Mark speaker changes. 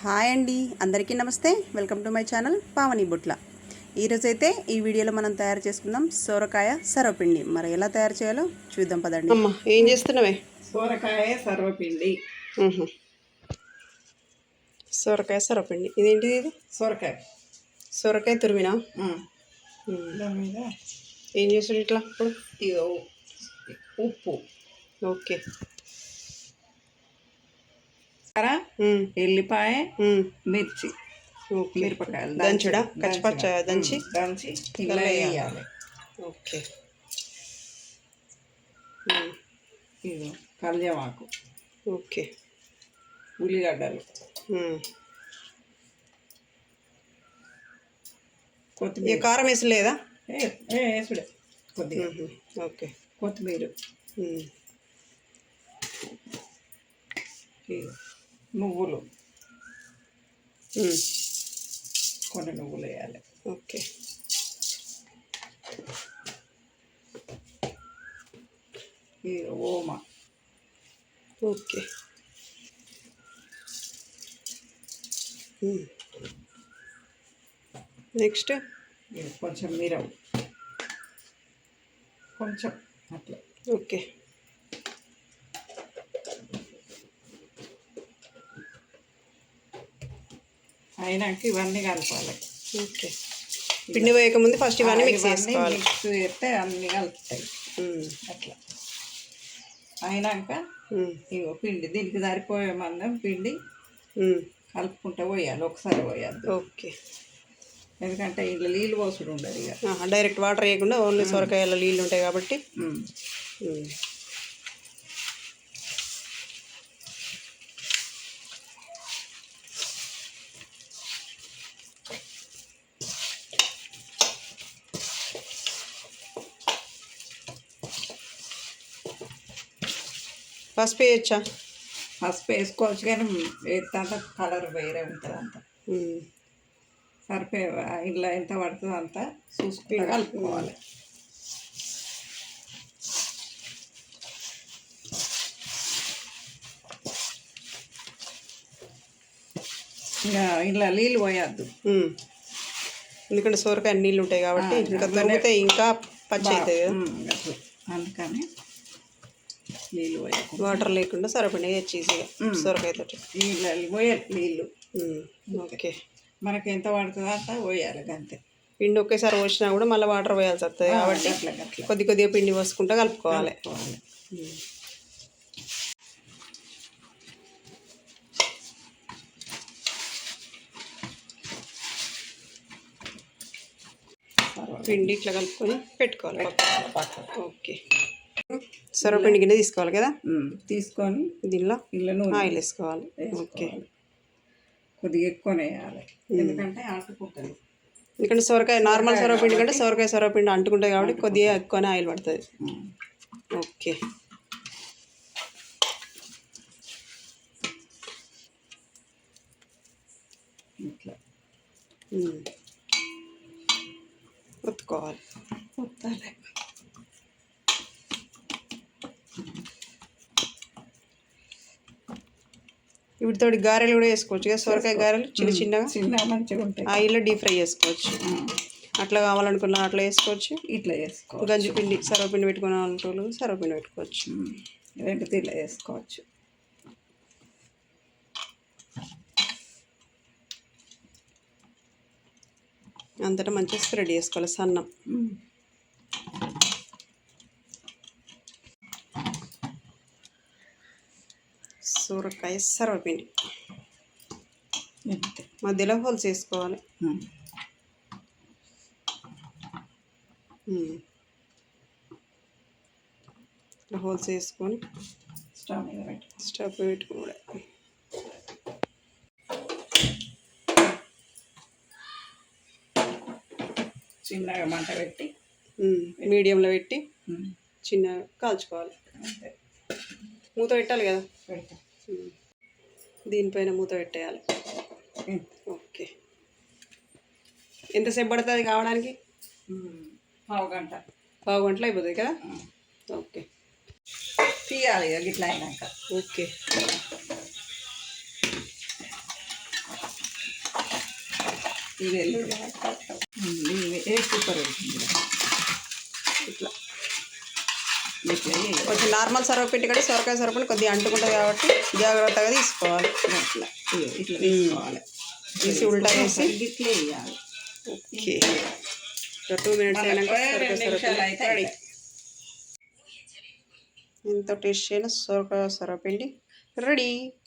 Speaker 1: Hi అండి, అందరికీ నమస్తే. Welcome to my channel Pavani Butla. ఈరోజైతే ఈ వీడియోలో మనం తయారు చేసుకుందాం సొరకాయ సర్వపిండి. మరి ఎలా తయారు చేయాలో చూద్దాం పదండి.
Speaker 2: అమ్మ ఏం చేస్తున్నావే?
Speaker 3: సొరకాయ సర్వపిండి.
Speaker 2: సొరకాయ సర్వపిండి. ఇదేంటిది? ఇది సొరకాయ తురిమినా
Speaker 3: దాని మీద
Speaker 2: ఏం చేస్తాడు ఇట్లా ఇప్పుడు?
Speaker 3: ఇదో ఉప్పు,
Speaker 2: ఓకే,
Speaker 3: ఎల్లిపాయ, మిర్చి, మిరపకాయలు
Speaker 2: దంచుడా? కచ్చిపచ్చ దంచి
Speaker 3: ఇలా వేయాలి.
Speaker 2: ఓకే,
Speaker 3: ఇదో కళ్యామాకు,
Speaker 2: ఓకే,
Speaker 3: ఉల్లిగడ్డలు, కొత్తిమీర.
Speaker 2: కారం వేసలేదా?
Speaker 3: వేసుడే కొద్దిగా.
Speaker 2: ఓకే,
Speaker 3: కొత్తిమీర, నువ్వులు, కొన్ని నువ్వులు వేయాలి.
Speaker 2: ఓకే,
Speaker 3: ఓమ,
Speaker 2: ఓకే, నెక్స్ట్
Speaker 3: కొంచెం మిరవు, కొంచెం అట్లా.
Speaker 2: ఓకే,
Speaker 3: అయినాక ఇవన్నీ కలపాలి.
Speaker 2: ఓకే, పిండి వేయకముందు ఫస్ట్ ఇవన్నీ మిక్స్ చేసుకోవాలి.
Speaker 3: మిక్స్ చేస్తే అన్నీ కలుపుతాయి అట్లా. అయినాక ఇగో పిండి దీనికి సరిపోయే మందం పిండి కలుపుకుంటూ పోయాలి, ఒకసారి పోయాలి.
Speaker 2: ఓకే,
Speaker 3: ఎందుకంటే ఇంట్లో నీళ్ళు పోసుడు ఉండదు. ఇక
Speaker 2: డైరెక్ట్ వాటర్ వేయకుండా ఓన్లీ సొరకాయలో నీళ్ళు ఉంటాయి కాబట్టి. పసుపు వేయచ్చా?
Speaker 3: పసుపు వేసుకోవచ్చు, కానీ వేస్తే కలర్ వేరే ఉంటుంది. అంత సరిపోయే ఇలా ఎంత పడుతుందో అంత చూసుకుంటూ కలుపుకోవాలి. ఇంకా ఇలా నీళ్ళు పోయద్దు,
Speaker 2: ఎందుకంటే సొరకాయ నీళ్ళు ఉంటాయి కాబట్టి ఇంకా తగ్గితే ఇంకా పచ్చి అవుతుంది
Speaker 3: కదా. అందుకని నీళ్ళు పోయాలి,
Speaker 2: వాటర్ లేకుండా సరిపడి ఈజీగా సొరకాయతో
Speaker 3: నీళ్ళు పోయాలి. నీళ్ళు
Speaker 2: ఓకే,
Speaker 3: మనకి ఎంత పడుతుందో అంత పోయాలి అంతే.
Speaker 2: పిండి ఒకేసారి పోసినా కూడా మళ్ళీ వాటర్ పోయాల్సి వస్తుంది కాబట్టి కొద్ది కొద్దిగా పిండి పోసుకుంటూ కలుపుకోవాలి. పిండి ఇట్లా కలుపుకొని పెట్టుకోవాలి పక్కన. ఓకే, సొరపిండి గిన్నె తీసుకోవాలి కదా.
Speaker 3: తీసుకొని
Speaker 2: దీనిలో ఆయిల్ వేసుకోవాలి. ఓకే,
Speaker 3: కొద్దిగా ఎక్కువనే వేయాలి, ఎందుకంటే అంటుకుంటుంది.
Speaker 2: ఎందుకంటే సొరకాయ నార్మల్ సొరపిండి కంటే సొరపిండి అంటుకుంటాయి కాబట్టి కొద్దిగా ఎక్కువనే ఆయిల్ పడుతుంది. ఓకే,
Speaker 3: ఇట్లా
Speaker 2: ఒత్తుకోవాలి.
Speaker 3: ఒత్తాలి.
Speaker 2: వీటితో గారెలు కూడా వేసుకోవచ్చు కదా, సొరకాయ గారెలు చిన్నగా
Speaker 3: మంచిగా ఉంటాయి.
Speaker 2: ఆయిల్లో డీప్ ఫ్రై చేసుకోవచ్చు. అట్లా కావాలనుకున్నా అట్లా వేసుకోవచ్చు,
Speaker 3: ఇట్లా వేసుకోవచ్చు.
Speaker 2: గంజిపిండి సర్వపిండి పెట్టుకునే వాళ్ళు సర్వపిండి పెట్టుకోవచ్చు.
Speaker 3: రెండు తీర్లా వేసుకోవచ్చు.
Speaker 2: అంతటా మంచిగా స్ప్రెడ్ చేసుకోవాలి సన్నం. సొరకాయ సర్వపిండి మధ్యలో హోల్స్ వేసుకోవాలి. హోల్స్ వేసుకొని స్టవ్ పెట్టుకోవాలి.
Speaker 3: చిన్నగా మంట పెట్టి
Speaker 2: మీడియంలో పెట్టి చిన్నగా కాల్చుకోవాలి. మూత పెట్టాలి కదా, దీనిపైన మూత పెట్టేయాలి. ఓకే, ఎంతసేపు పడుతుంది కావడానికి?
Speaker 3: పావు
Speaker 2: గంటలో అయిపోతుంది కదా. ఓకే,
Speaker 3: తీయాలి ఇట్లా అయినాక.
Speaker 2: ఓకే,
Speaker 3: ఇది సూపర్ అవుతుంది.
Speaker 2: ఇట్లా
Speaker 3: ఇట్లా వేయాలి.
Speaker 2: కొంచెం నార్మల్ సర్వపిండి కంటే సొరకాయ సర్వపిండి కొద్దిగా అంటుకుంటుంది కాబట్టి జాగ్రత్తగా తీసుకోవాలి.
Speaker 3: ఇట్లా ఇట్లా తీసుకోవాలి.
Speaker 2: తీసి ఉల్టా వేసి
Speaker 3: ఇట్లా వేయాలి.
Speaker 2: ఓకే. 2 మినిట్స్ అయినాక సొరకాయ సర్వపిండి రెడీ. ఎంతో టేస్టీ అయిన సొరకాయ సర్వపిండి రెడీ.